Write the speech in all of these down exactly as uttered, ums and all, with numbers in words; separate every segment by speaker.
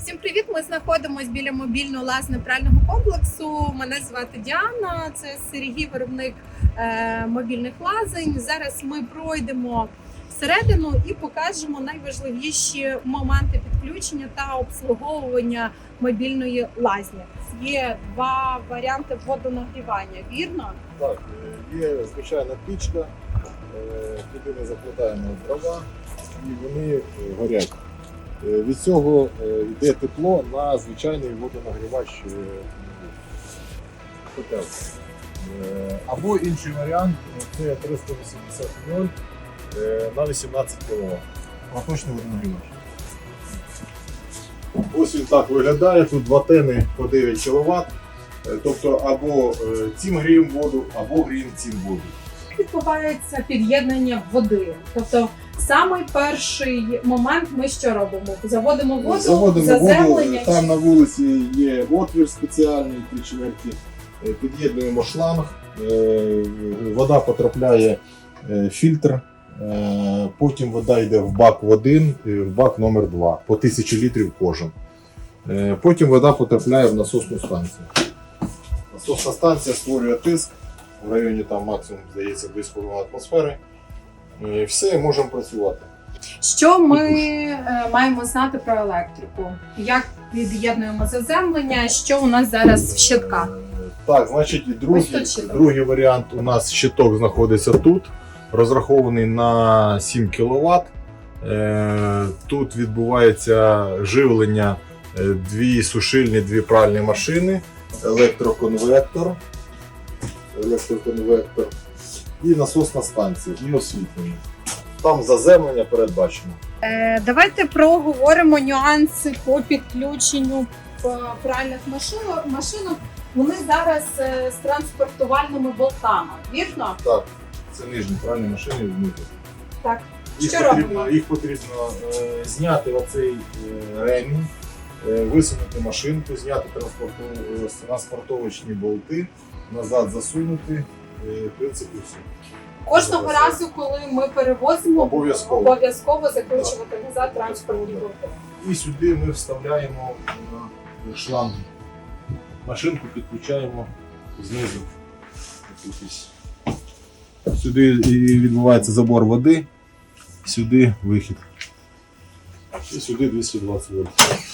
Speaker 1: Всім привіт! Ми знаходимося біля мобільного лазно-прального комплексу. Мене звати Діана, це Сергій, виробник е, мобільних лазень. Зараз ми пройдемо всередину і покажемо найважливіші моменти підключення та обслуговування мобільної лазні. Є два варіанти водонагрівання, вірно?
Speaker 2: Так, є звичайна пічка, туди ми заплетаємо дрова і вони горять. Від цього йде тепло на звичайний водонагрівач котел. Або інший варіант це триста вісімдесят вольт на вісімнадцять кіловат. Проточний водонагрівач. Ось він так виглядає, тут два тени по дев'ять кіловат. Тобто або цим гріємо воду, або гріємо цим воду.
Speaker 1: Як відбувається під'єднання води? Тобто самий перший момент ми що робимо? Заводимо воду,
Speaker 2: Заводимо
Speaker 1: заземлення?
Speaker 2: воду, там на вулиці є отвір спеціальний, три чверті, під'єднуємо шланг, вода потрапляє в фільтр, потім вода йде в бак один, в бак номер два, по тисячі літрів кожен. Потім вода потрапляє в насосну станцію. Насосна станція створює тиск, в районі там максимум, здається, дві з половиною атмосфери. І все, можемо працювати.
Speaker 1: Що ми е, маємо знати про електрику? Як під'єднуємо заземлення? Що у нас зараз в щитках?
Speaker 2: Так, значить, другий, другий варіант у нас щиток знаходиться тут, розрахований на сім кіловат. Тут відбувається живлення дві сушильні, дві пральні машини, електроконвектор, електроконвектор і насосна станція, і освітлення. Там заземлення передбачено.
Speaker 1: Е, давайте проговоримо нюанси по підключенню пральних машинок. машинок. Вони зараз е, з транспортувальними болтами, вірно?
Speaker 2: Так, це нижні пральні машини внутрі.
Speaker 1: Так.
Speaker 2: Їх
Speaker 1: Що
Speaker 2: потрібно,
Speaker 1: робимо?
Speaker 2: їх потрібно е, зняти оцей е, ремінь, е, висунути машинку, зняти транспорту, е, транспортовочні болти, назад засунути, е, в принципі все.
Speaker 1: Кожного разу, коли ми перевозимо,
Speaker 2: Обов'язково.
Speaker 1: обов'язково закручувати назад транспортні болти.
Speaker 2: І сюди ми вставляємо на шланг. Машинку підключаємо знизу. Якийсь. Сюди і відбувається забор води, сюди вихід. І сюди двісті двадцять вольт.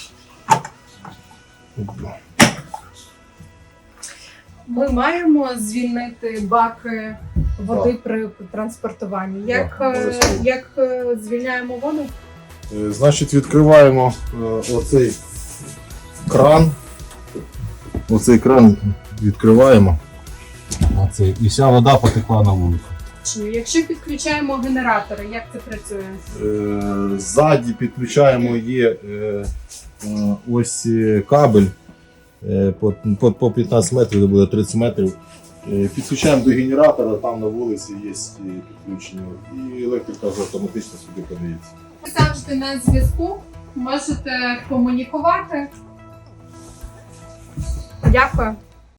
Speaker 1: Ми маємо звільнити баки води
Speaker 2: Так.
Speaker 1: при транспортуванні. Як,
Speaker 2: Так,
Speaker 1: е,
Speaker 2: обов'язково.
Speaker 1: як е, звільняємо воду?
Speaker 2: Е, Значить, відкриваємо е, оцей кран. Оцей кран відкриваємо. Оцей. І вся вода потекла на вулицю.
Speaker 1: Чи якщо підключаємо генератори, як це працює?
Speaker 2: Е, Ззаді підключаємо є е, е, ось е, кабель е, по, по, по п'ятнадцять метрів, це буде тридцять метрів. Е, Підключаємо до генератора, там на вулиці є підключення. І електрика вже автоматично сюди подається.
Speaker 1: Ви завжди на зв'язку, можете комунікувати. Дякую.